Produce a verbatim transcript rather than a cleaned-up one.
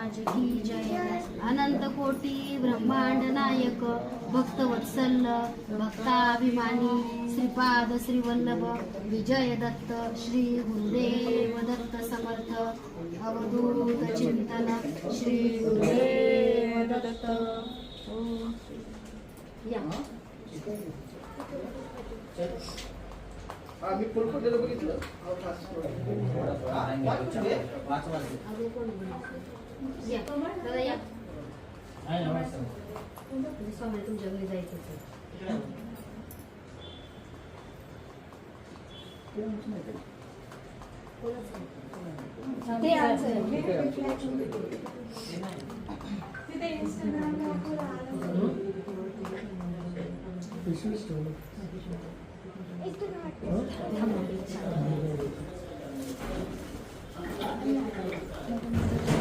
महाराज की जय। अनंत कोटी ब्रह्मांड नायक भक्तवत्सल भक्ताभिमानी श्रीपाद श्रीवल्लभ विजय दत्त श्री गुरुदेव दत्त समर्थ अवधूत चिंतन श्री गुरुदेव दत्त। या आम्ही फुलफुलेलं बघितलं स्वामी तुमच्या घरी जायचं ते आमचं